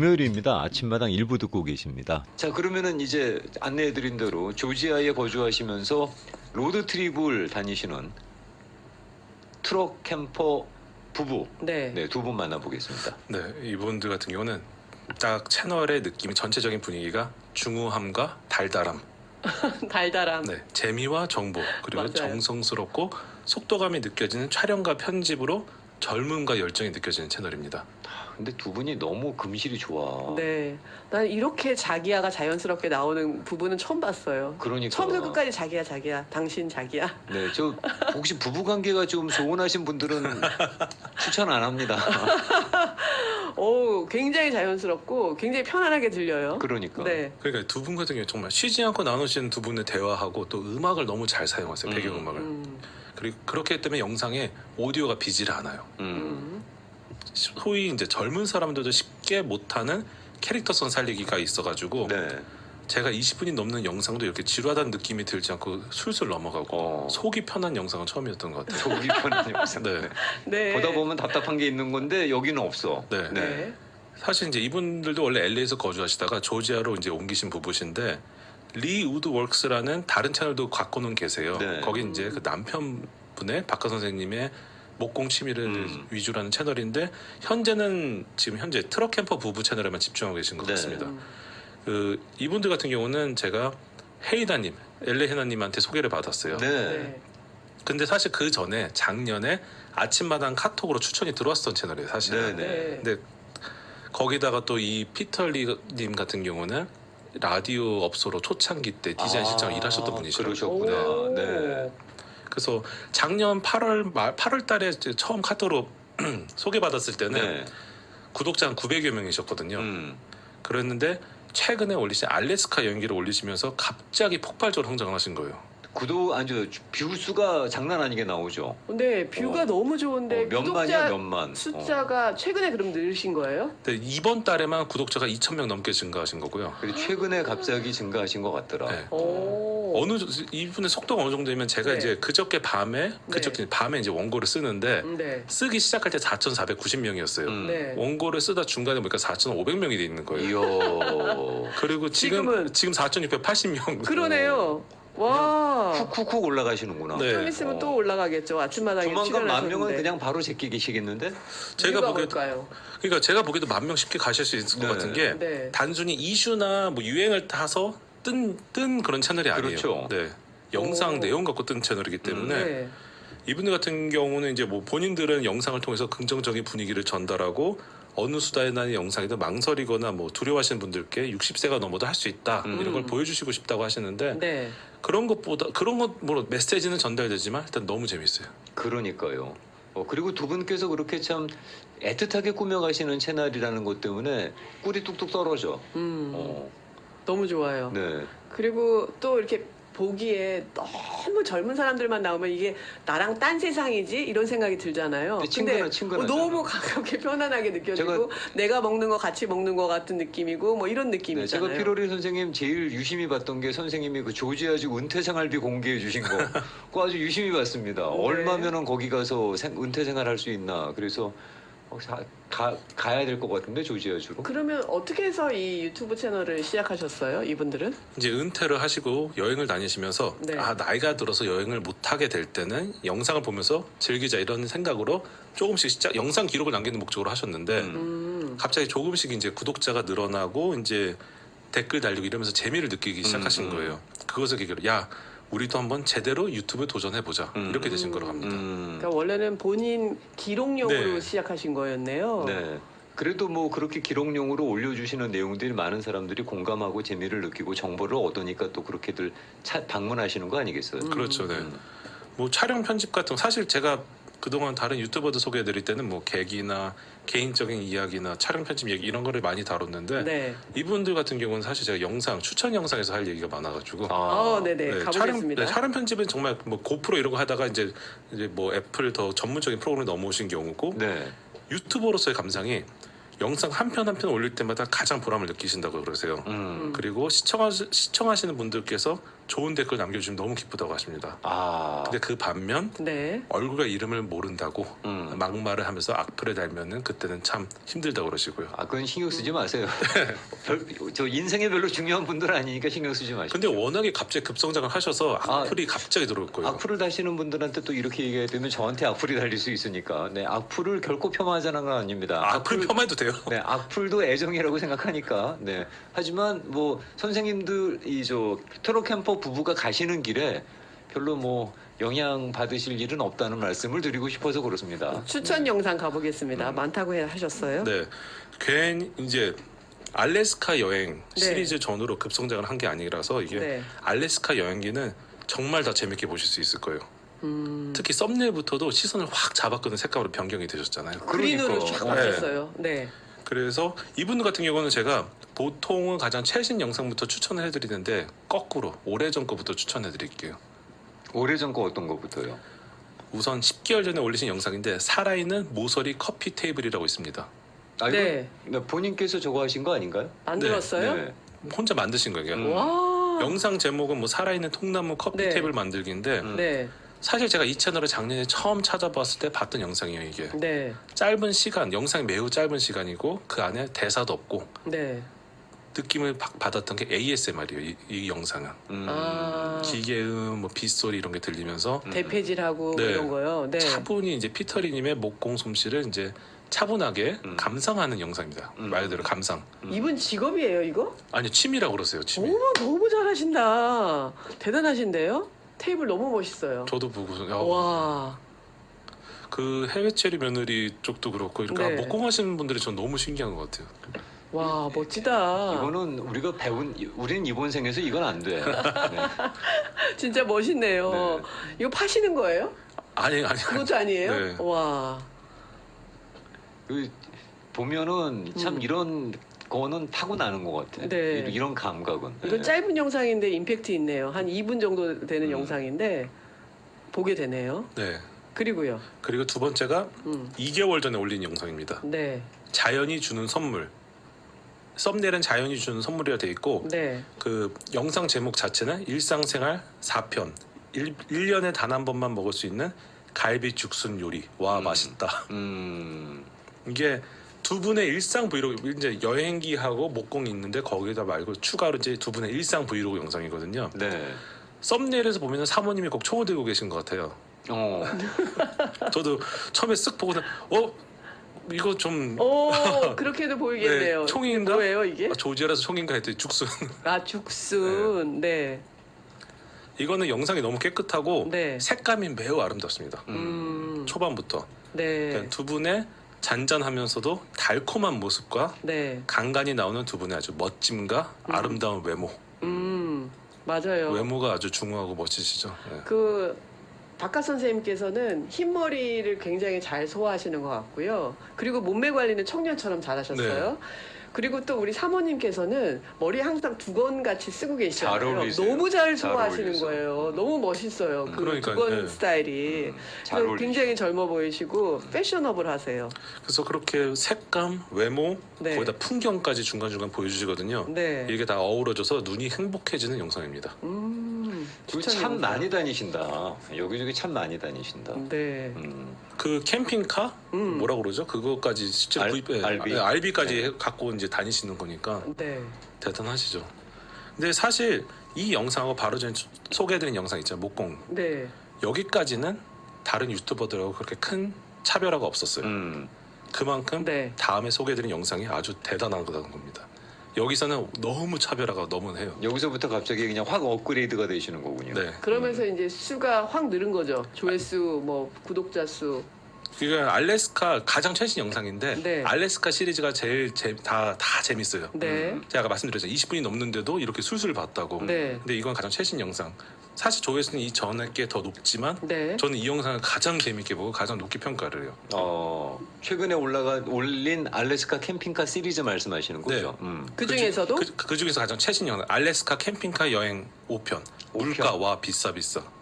금요일입니다. 아침마당 일부 듣고 계십니다. 자, 그러면은 이제 안내해드린 대로 조지아에 거주하시면서 로드트립을 다니시는 트럭 캠퍼 부부, 네. 네, 두 분 만나보겠습니다. 네, 이분들 같은 경우는 딱 채널의 느낌이 전체적인 분위기가 중후함과 달달함, 달달함. 네, 재미와 정보 그리고 맞아요. 정성스럽고 속도감이 느껴지는 촬영과 편집으로 젊음과 열정이 느껴지는 채널입니다. 근데 두 분이 너무 금실이 좋아. 네. 난 이렇게 자기야가 자연스럽게 나오는 부부는 처음 봤어요. 그러니까. 처음부터 끝까지 자기야, 자기야. 당신 자기야. 네, 저 혹시 부부 관계가 좀 소원하신 분들은 추천 안 합니다. 오, 굉장히 자연스럽고 굉장히 편안하게 들려요. 그러니까. 네. 그러니까 두 분 같은 경우 정말 쉬지 않고 나누시는 두 분의 대화하고 또 음악을 너무 잘 사용하세요. 배경음악을. 그리고 그렇기 때문에 영상에 오디오가 비지를 않아요. 음. 소위 이제 젊은 사람들도 쉽게 못하는 캐릭터성 살리기가 있어가지고 네. 제가 20분이 넘는 영상도 이렇게 지루하다는 느낌이 들지 않고 술술 넘어가고 속이 편한 영상은 처음이었던 것 같아요. 속이 편한 영상. 네. 네. 보다 보면 답답한 게 있는 건데 여기는 없어. 네. 네. 사실 이제 이분들도 원래 LA에서 거주하시다가 조지아로 이제 옮기신 부부신데 리 우드웍스라는 다른 채널도 갖고는 계세요. 네. 거기 이제 그 남편분의 박하 선생님의 목공 취미를 위주로 하는 채널인데 지금 현재 트럭 캠퍼 부부 채널에만 집중하고 계신 것 네. 같습니다. 그 이분들 같은 경우는 제가 헤이다님, LA 헤나님한테 소개를 받았어요. 네. 네. 근데 사실 그 전에 작년에 아침마당 카톡으로 추천이 들어왔었던 채널이에요, 사실. 네. 네. 근데 거기다가 또 이 피터리님 같은 경우는 라디오 업소로 초창기 때 디자인 실장 일하셨던 분이시라고. 그러셨구나. 오. 네. 그래서 작년 8월 달에 이제 처음 카톡으로 소개받았을 때는 네. 구독자 한 900여 명이셨거든요. 음. 그랬는데 최근에 올리신 알래스카 여행기를 올리시면서 갑자기 폭발적으로 성장을 하신 거예요. 뷰 수가 장난 아니게 나오죠. 근데 뷰가 너무 좋은데 몇만이야, 구독자 몇만. 숫자가 최근에 그럼 늘으신 거예요? 근데 이번 달에만 구독자가 2,000명 넘게 증가하신 거고요. 그리고 최근에 갑자기 증가하신 것 같더라. 네. 오. 이분의 속도가 어느 정도면 제가 네. 이제 그저께 밤에 이제 원고를 쓰는데 네. 쓰기 시작할 때 4,490명이었어요. 네. 원고를 쓰다 중간에 보니까 4,500명이 돼 있는 거예요. 이야. 그리고 지금 4,680명. 그러네요. 와. 훅훅훅 올라가시는구나. 네. 좀 있으면 또 올라가겠죠. 아침마당에 조만간 만 명은 출연하셨는데. 그냥 바로 제끼시겠는데? 제가 이유가 보기에도 뭘까요? 그러니까 제가 보기에도 10,000명 쉽게 가실 수 있을 것 네. 같은 게 네. 단순히 이슈나 뭐 유행을 타서 뜬 그런 채널이 아니에요. 그렇죠. 네. 영상 오. 내용 갖고 뜬 채널이기 때문에 네. 이분들 같은 경우는 이제 뭐 본인들은 영상을 통해서 긍정적인 분위기를 전달하고 어느 수다나 영상이든 망설이거나 뭐 두려워하시는 분들께 60세가 넘어도 할 수 있다 이런 걸 보여주시고 싶다고 하시는데 네. 그런 것 뭐 메시지는 전달되지만 일단 너무 재밌어요. 그러니까요. 그리고 두 분께서 그렇게 참 애틋하게 꾸며가시는 채널이라는 것 때문에 꿀이 뚝뚝 떨어져. 어, 너무 좋아요. 네. 그리고 또 이렇게 보기에 너무 젊은 사람들만 나오면 이게 나랑 딴 세상이지 이런 생각이 들잖아요. 근데 친근하잖아. 너무 가깝게 편안하게 느껴지고 내가 먹는 거 같이 먹는 거 같은 느낌이고 뭐 이런 네, 느낌이잖아요. 제가 피로리 선생님 제일 유심히 봤던 게 선생님이 그 조지아주 은퇴 생활비 공개해 주신 거 그거 아주 유심히 봤습니다. 네. 얼마면은 거기 가서 은퇴 생활 할 수 있나. 그래서 가야 될 것 같은데 조지아주로. 그러면 어떻게 해서 이 유튜브 채널을 시작하셨어요? 이분들은? 이제 은퇴를 하시고 여행을 다니시면서 네. 나이가 들어서 여행을 못 하게 될 때는 영상을 보면서 즐기자 이런 생각으로 조금씩 영상 기록을 남기는 목적으로 하셨는데 갑자기 조금씩 이제 구독자가 늘어나고 이제 댓글 달리고 이러면서 재미를 느끼기 시작하신 거예요. 그것을 계기로 우리도 한번 제대로 유튜브에 도전해보자 이렇게 되신 거로 갑니다. 그러니까 원래는 본인 기록용으로 네. 시작하신 거였네요. 네. 그래도 뭐 그렇게 기록용으로 올려주시는 내용들이 많은 사람들이 공감하고 재미를 느끼고 정보를 얻으니까 또 그렇게들 방문하시는 거 아니겠어요? 그렇죠. 네. 뭐 촬영 편집 같은 거 사실 제가 그동안 다른 유튜버들 소개해드릴 때는 뭐 계기나 개인적인 이야기나 촬영 편집 얘기 이런 거를 많이 다뤘는데 네. 이분들 같은 경우는 사실 제가 추천 영상에서 할 얘기가 많아가지고 네네. 가보겠습니다. 촬영 편집은 정말 뭐 고프로 이런 거 하다가 이제 뭐 애플 더 전문적인 프로그램에 넘어오신 경우고 네. 유튜버로서의 감상이 영상 한 편 올릴 때마다 가장 보람을 느끼신다고 그러세요. 그리고 시청하시는 분들께서 좋은 댓글 남겨주시면 너무 기쁘다고 하십니다. 아, 근데 그 반면 네. 얼굴과 이름을 모른다고 막말을 하면서 악플을 달면은 그때는 참 힘들다고 그러시고요. 아, 그건 신경 쓰지 마세요. 저 인생에 별로 중요한 분들 아니니까 신경 쓰지 마시고. 근데 워낙에 갑자기 급성장을 하셔서 악플이 갑자기 들어올 거예요. 악플을 다시는 분들한테 또 이렇게 얘기해야 되면 저한테 악플이 달릴 수 있으니까. 네, 악플을 결코 폄하하자는 건 아닙니다. 악플 폄하해도 돼요? 네, 악플도 애정이라고 생각하니까. 네. 하지만 뭐 선생님들 이저 트로 캠퍼 부부가 가시는 길에 별로 뭐 영향 받으실 일은 없다는 말씀을 드리고 싶어서 그렇습니다. 추천 영상 가보겠습니다. 많다고 하셨어요? 네. 괜히 이제 알래스카 여행 네. 시리즈 전후로 급성장을 한 게 아니라서 이게 네. 알래스카 여행기는 정말 다 재밌게 보실 수 있을 거예요. 특히 썸네일부터도 시선을 확 잡았거든. 색감으로 변경이 되셨잖아요. 그린으로 그러니까. 쫙 바뀌었어요. 네. 그래서 이분 같은 경우는 제가 보통은 가장 최신 영상부터 추천을 해드리는데 거꾸로 오래전 거부터 추천해드릴게요. 오래전 거 어떤 거부터요? 우선 10개월 전에 올리신 영상인데 살아있는 모서리 커피 테이블이라고 있습니다. 아, 이거 네. 본인께서 저거 하신 거 아닌가요? 만들었어요? 네. 혼자 만드신 거예요. 그냥. 와. 영상 제목은 뭐 살아있는 통나무 커피 네. 테이블 만들기인데 네. 사실 제가 이 채널을 작년에 처음 찾아봤을 때 봤던 영상이에요. 이게 네. 짧은 시간, 영상이 매우 짧은 시간이고 그 안에 대사도 없고 네. 느낌을 받았던 게 ASMR이에요. 이 영상은 아. 기계음, 뭐 빗소리 이런 게 들리면서 대패질하고 네. 이런 거요. 네. 차분히 이제 피터리님의 목공 솜씨를 이제 차분하게 감상하는 영상입니다. 말 그대로 감상. 이분 직업이에요, 이거? 아니 취미라고 그러세요. 취미. 어머, 너무 잘하신다. 대단하신데요? 테이블 너무 멋있어요. 저도 보고서 와. 그 해외 체리 며느리 쪽도 그렇고 이렇게 네. 목공하시는 분들이 전 너무 신기한 것 같아요. 와, 멋지다. 이거는 우리가 배운 우리는 이번 생에서 이건 안 돼. 네. 진짜 멋있네요. 네. 이거 파시는 거예요? 아니 그것도 아니에요? 네. 와. 그 보면은 참 이런 거는 타고나는 것 같아. 네. 이런 감각은. 이건 네. 짧은 영상인데 임팩트 있네요. 한 2분 정도 되는 영상인데 보게 되네요. 네. 그리고요. 그리고 두 번째가 음. 2개월 전에 올린 영상입니다. 네. 자연이 주는 선물. 썸네일은 자연이 주는 선물이라 돼 있고 네. 그 영상 제목 자체는 일상생활 4편. 1년에 단 한 번만 먹을 수 있는 갈비 죽순 요리. 와 맛있다. 이게 두 분의 일상 브이로그 이제 여행기하고 목공이 있는데 거기다 말고 추가로 이제 두 분의 일상 브이로그 영상이거든요. 네. 썸네일에서 보면은 사모님이 꼭 총을 들고 계신 것 같아요. 저도 처음에 쓱 보고는 이거 좀 오, 그렇게도 보이겠네요. 네, 총인가? 뭐예요, 이게? 조지아라서 총인가 했더니 죽순. 아, 죽순. 네. 이거는 영상이 너무 깨끗하고 네. 색감이 매우 아름답습니다. 음. 초반부터 네. 그러니까 두 분의 잔잔하면서도 달콤한 모습과 네. 간간히 나오는 두 분의 아주 멋짐과 아름다운 외모. 맞아요. 외모가 아주 중후하고 멋지시죠. 네. 그 박하 선생님께서는 흰머리를 굉장히 잘 소화하시는 것 같고요. 그리고 몸매 관리는 청년처럼 잘하셨어요. 네. 그리고 또 우리 사모님께서는 머리 항상 두건 같이 쓰고 잘 계시잖아요. 어울리세요. 너무 잘 잘 소화하시는 어울리세요. 거예요. 너무 멋있어요. 그 그러니까요. 두건 네. 스타일이. 잘 그래서 어울리시죠. 굉장히 젊어 보이시고 패셔너블하세요. 그래서 그렇게 색감, 외모, 네. 거기다 풍경까지 중간중간 보여주시거든요. 네. 이게 다 어우러져서 눈이 행복해지는 영상입니다. 참 추천입니다. 많이 다니신다. 여기저기 참 많이 다니신다. 네. 그 캠핑카 뭐라 그러죠? 그거까지 실제로 RV? RV까지 갖고 이제 다니시는 거니까 네. 대단하시죠. 근데 사실 이 영상하고 바로 전에 소개해드린 영상 있잖아요. 목공. 네. 여기까지는 다른 유튜버들하고 그렇게 큰 차별화가 없었어요. 그만큼 네. 다음에 소개해드린 영상이 아주 대단한 겁니다. 여기서는 너무 차별화가 너무 해요. 여기서부터 갑자기 그냥 확 업그레이드가 되시는 거군요. 네. 그러면서 이제 수가 확 늘은 거죠. 조회수, 뭐 구독자 수. 그러니까 알래스카 가장 최신 영상인데 네. 알래스카 시리즈가 제일 다 재밌어요. 네. 제가 아까 말씀드렸잖아요. 20분이 넘는데도 이렇게 술술 봤다고. 네. 근데 이건 가장 최신 영상. 사실 조회수는 이 전에 게 더 높지만 네. 저는 이 영상을 가장 재밌게 보고 가장 높게 평가를 해요. 최근에 올린 알래스카 캠핑카 시리즈 말씀하시는 거죠? 그 중에서도 그 중에서 가장 최신 영상 알래스카 캠핑카 여행 5편. 물가 와 비싸.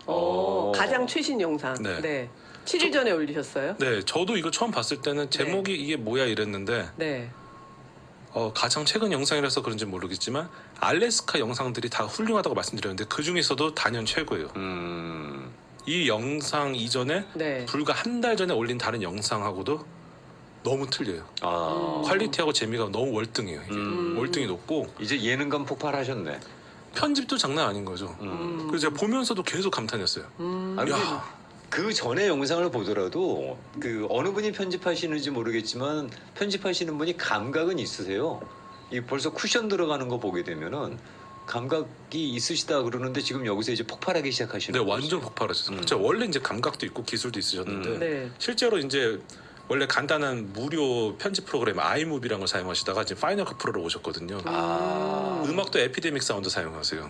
가장 최신 영상. 네. 네. 7일 전에 올리셨어요? 네, 저도 이거 처음 봤을 때는 제목이 이게 뭐야 이랬는데 네. 가장 최근 영상이라서 그런지 모르겠지만 알래스카 영상들이 다 훌륭하다고 말씀드렸는데 그 중에서도 단연 최고예요. 이 영상 이전에 네. 불과 한 달 전에 올린 다른 영상하고도 너무 틀려요. 퀄리티하고 재미가 너무 월등해요. 이게. 월등히 높고 이제 예능감 폭발하셨네. 편집도 장난 아닌 거죠. 그래서 제가 보면서도 계속 감탄했어요. 아, 근데 야, 그 전에 영상을 보더라도 그 어느 분이 편집하시는지 모르겠지만 편집하시는 분이 감각은 있으세요. 이 벌써 쿠션 들어가는 거 보게 되면은 감각이 있으시다 그러는데 지금 여기서 이제 폭발하기 시작하시는 네, 거죠. 완전 폭발하셨어요. 제가 원래 이제 감각도 있고 기술도 있으셨는데 네. 실제로 이제 원래 간단한 무료 편집 프로그램 아이무비라는 걸 사용하시다가 지금 파이널 컷 프로로 오셨거든요. 음악도 에피데믹 사운드 사용하세요.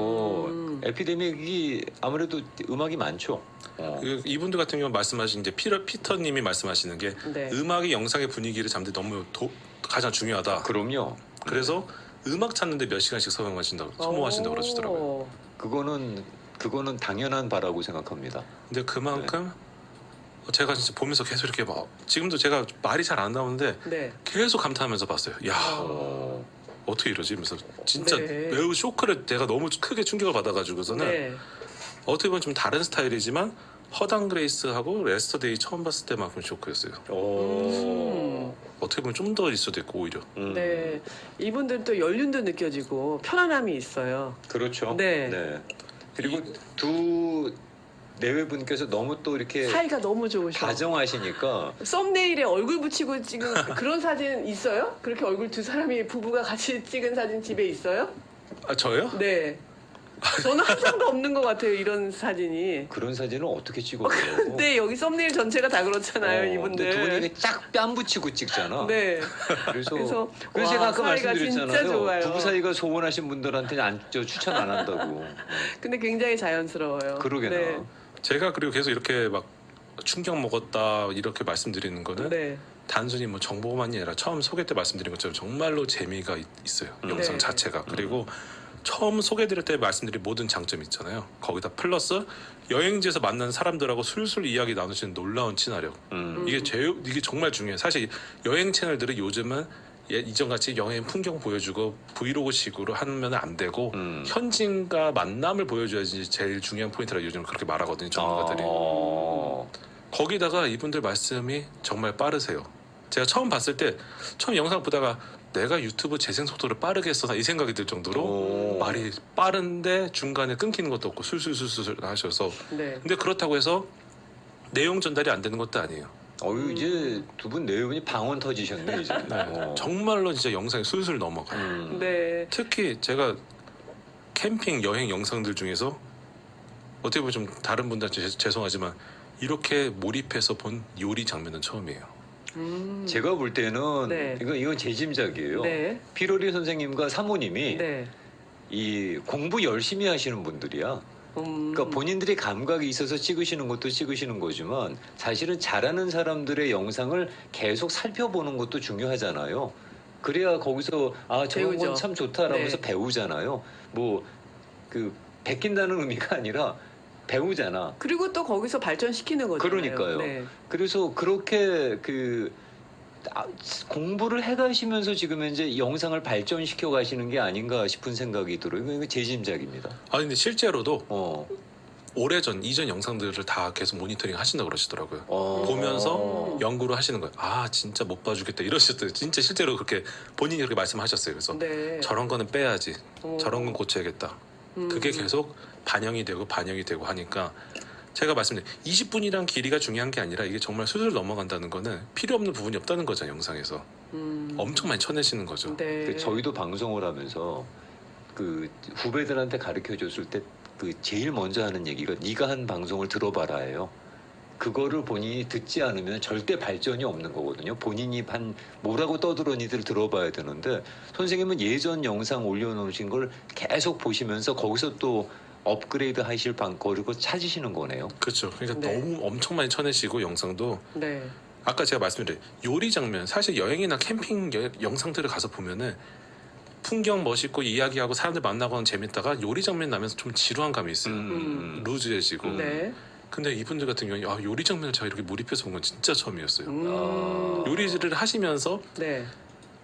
에피데믹이 아무래도 음악이 많죠. 이분들 같은 경우 말씀하신 이제 피터님이 말씀하시는 게 네. 음악이 영상의 분위기를 잡는 데 너무 가장 중요하다. 그럼요. 그래서 음악 찾는데 몇 시간씩 소모하신다고 그러시더라고요. 그거는 당연한 바라고 생각합니다. 근데 그만큼 제가 진짜 보면서 계속 이렇게 막 지금도 제가 말이 잘 안 나오는데 네. 계속 감탄하면서 봤어요. 야 어떻게 이러지? 하면서 진짜 네. 매우 쇼크를 제가 너무 크게 충격을 받아가지고서는 네. 어떻게 보면 좀 다른 스타일이지만 허당 그레이스하고 레스터데이 처음 봤을 때만큼 쇼크였어요. 어떻게 보면 좀 더 있어도 있고 오히려. 네. 이분들 또 연륜도 느껴지고 편안함이 있어요. 그렇죠. 네. 그리고 두 내외분께서 너무 또 이렇게 사이가 너무 좋으셔. 다정하시니까 썸네일에 얼굴 붙이고 찍은 그런 사진 있어요? 그렇게 얼굴 두 사람이 부부가 같이 찍은 사진 집에 있어요? 아 저요? 네. 저는 한 장도 없는 것 같아요. 이런 사진이. 그런 사진을 어떻게 찍어요? 근데 여기 썸네일 전체가 다 그렇잖아요. 이분들. 두 분이 이렇게 쫙 뺨 붙이고 찍잖아. 네. 그래서 와, 제가 아까 사이가 진짜 말씀드렸잖아요. 좋아요. 부부 사이가 소원하신 분들한테 추천 안 한다고. 근데 굉장히 자연스러워요. 그러게나. 네. 제가 그리고 계속 이렇게 막 충격 먹었다 이렇게 말씀드리는 거는 네. 단순히 뭐 정보만이 아니라 처음 소개 때 말씀드린 것처럼 정말로 재미가 있어요. 영상 네. 자체가. 그리고 처음 소개드릴 때 말씀드린 모든 장점이 있잖아요. 거기다 플러스 여행지에서 만난 사람들하고 술술 이야기 나누시는 놀라운 친화력. 이게 정말 중요해요. 사실 여행 채널들은 요즘은 이전같이 여행 풍경 보여주고 브이로그식으로 하면 안 되고 현지인과 만남을 보여줘야지 제일 중요한 포인트라 요즘 그렇게 말하거든요. 전문가들이. 거기다가 이분들 말씀이 정말 빠르세요. 제가 처음 봤을 때 처음 영상 보다가 내가 유튜브 재생 속도를 빠르게 했었나 이 생각이 들 정도로 말이 빠른데 중간에 끊기는 것도 없고 술술술술 하셔서 네. 근데 그렇다고 해서 내용 전달이 안 되는 것도 아니에요. 이제 두 분 내외분이 방언 터지셨네 이제. 네. 정말로 진짜 영상이 술술 넘어가요. 네. 특히 제가 캠핑 여행 영상들 중에서 어떻게 보면 좀 다른 분들한테 죄송하지만 이렇게 몰입해서 본 요리 장면은 처음이에요. 제가 볼 때는 네. 이건 제 짐작이에요. 네. 피로리 선생님과 사모님이 네. 이 공부 열심히 하시는 분들이야. 그러니까 본인들이 감각이 있어서 찍으시는 것도 찍으시는 거지만 사실은 잘하는 사람들의 영상을 계속 살펴보는 것도 중요하잖아요. 그래야 거기서 저런 배우죠. 건 참 좋다라면서 네. 배우잖아요. 뭐 그 베낀다는 의미가 아니라 배우잖아. 그리고 또 거기서 발전시키는 거잖아요. 그러니까요. 네. 그래서 그렇게 공부를 해가시면서 지금 현재 영상을 발전시켜 가시는 게 아닌가 싶은 생각이 들어요. 이거 제 짐작입니다. 근데 실제로도 어. 오래전 이전 영상들을 다 계속 모니터링 하신다고 그러시더라고요. 어. 보면서 연구를 하시는 거예요. 진짜 못 봐주겠다 이러셨어요. 진짜 실제로 그렇게 본인이 그렇게 말씀하셨어요. 그래서 네. 저런 거는 빼야지. 저런 건 고쳐야겠다. 그게 계속 반영이 되고 하니까 제가 말씀드린 20분이란 길이가 중요한 게 아니라 이게 정말 술술 넘어간다는 거는 필요 없는 부분이 없다는 거죠. 영상에서. 엄청 많이 쳐내시는 거죠. 네. 저희도 방송을 하면서 그 후배들한테 가르쳐 줬을 때 그 제일 먼저 하는 얘기가 네가 한 방송을 들어봐라예요. 그거를 본인이 듣지 않으면 절대 발전이 없는 거거든요. 본인이 뭐라고 떠들었니들 들어봐야 되는데 선생님은 예전 영상 올려놓으신 걸 계속 보시면서 거기서 또 업그레이드 하실 방법을 찾으시는 거네요. 그렇죠. 그러니까 네. 너무 엄청 많이 쳐내시고 영상도 네. 아까 제가 말씀드린 요리 장면 사실 여행이나 캠핑 영상들을 가서 보면은 풍경 멋있고 이야기하고 사람들 만나고 하는 재밌다가 요리 장면 나면서 좀 지루한 감이 있어요. 루즈해지고. 네. 근데 이분들 같은 경우에 요리 장면을 제가 이렇게 몰입해서 본 건 진짜 처음이었어요. 음. 요리를 하시면서 네.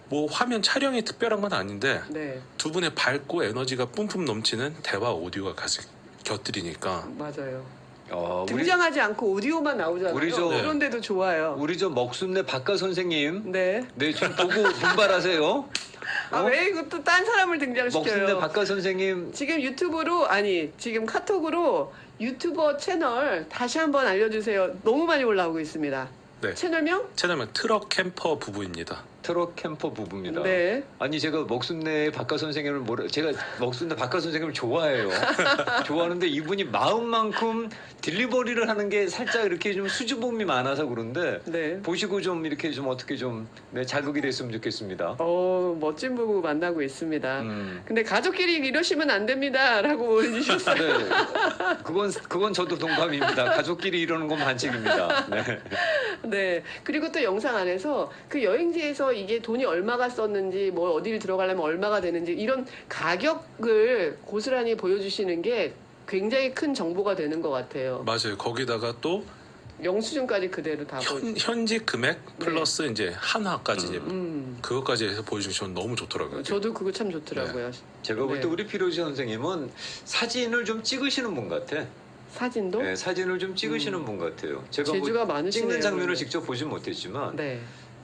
뭐 화면 촬영이 특별한 건 아닌데 네, 두 분의 밝고 에너지가 뿜뿜 넘치는 대화 오디오가 같이 곁들이니까 맞아요. 우리 등장하지 않고 오디오만 나오잖아요. 우리 저- 그런데도 좋아요. 우리 저 먹순내 박가 선생님, 네. 네 좀 보고 분발하세요. 아, 왜 이것도 딴 사람을 먹순내 등장시켜요? 박가 선생님 지금 유튜브로 아니 지금 카톡으로 유튜버 채널 다시 한번 알려주세요. 너무 많이 올라오고 있습니다. 네. 채널명? 채널명 트럭 캠퍼 부부입니다. 트럭 캠퍼 부부입니다. 네. 아니 제가 먹순내 박가 선생님을 제가 먹순내 박가 선생님을 좋아해요. 좋아하는데 이분이 마음만큼 딜리버리를 하는 게 살짝 이렇게 좀 수줍음이 많아서 그런데 네. 보시고 좀 이렇게 좀 어떻게 좀 자극이 됐으면 좋겠습니다. 멋진 부부 만나고 있습니다. 음. 근데 가족끼리 이러시면 안 됩니다라고 올리셨어요. 네, 그건 저도 동감입니다. 가족끼리 이러는 건 반칙입니다. 네. 네. 그리고 또 영상 안에서 그 여행지에서 이게 돈이 얼마가 썼는지, 뭐 어디를 들어가려면 얼마가 되는지 이런 가격을 고스란히 보여주시는 게 굉장히 큰 정보가 되는 것 같아요. 맞아요. 거기다가 또 영수증까지 그대로 다 현직 금액 플러스 이제 한화까지 이제 그것까지 해서 보여주시면 너무 좋더라고요. 저도 그거 참 좋더라고요. 제가 볼 때 네. 우리 피로지 선생님은 사진을 좀 찍으시는 분 같아. 사진도? 네, 사진을 좀 찍으시는 분 같아요. 제가 재주가 뭐 많으시네요. 찍는 장면을 직접 보진 못했지만 네.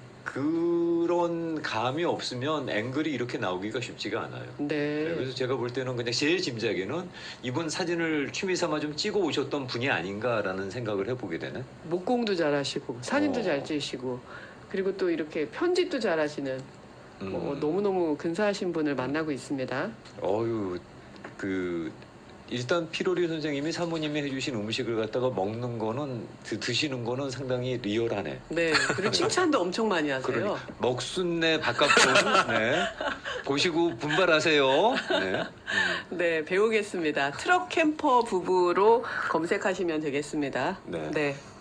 그런 감이 없으면 앵글이 이렇게 나오기가 쉽지가 않아요. 네. 네, 그래서 제가 볼 때는 그냥 제 짐작에는 이분 사진을 취미 삼아 좀 찍어 오셨던 분이 아닌가라는 생각을 해보게 되네. 목공도 잘하시고 사진도 잘 찍으시고 그리고 또 이렇게 편집도 잘하시는 너무너무 근사하신 분을 만나고 있습니다. 어유 일단 피로리 선생님이 사모님이 해주신 음식을 갖다가 먹는 거는 드시는 거는 상당히 리얼하네. 네. 그리고 칭찬도 엄청 많이 하세요. 그러니 먹순내 바깥분 네. 보시고 분발하세요. 네. 네, 배우겠습니다. 트럭 캠퍼 부부로 검색하시면 되겠습니다. 네. 네.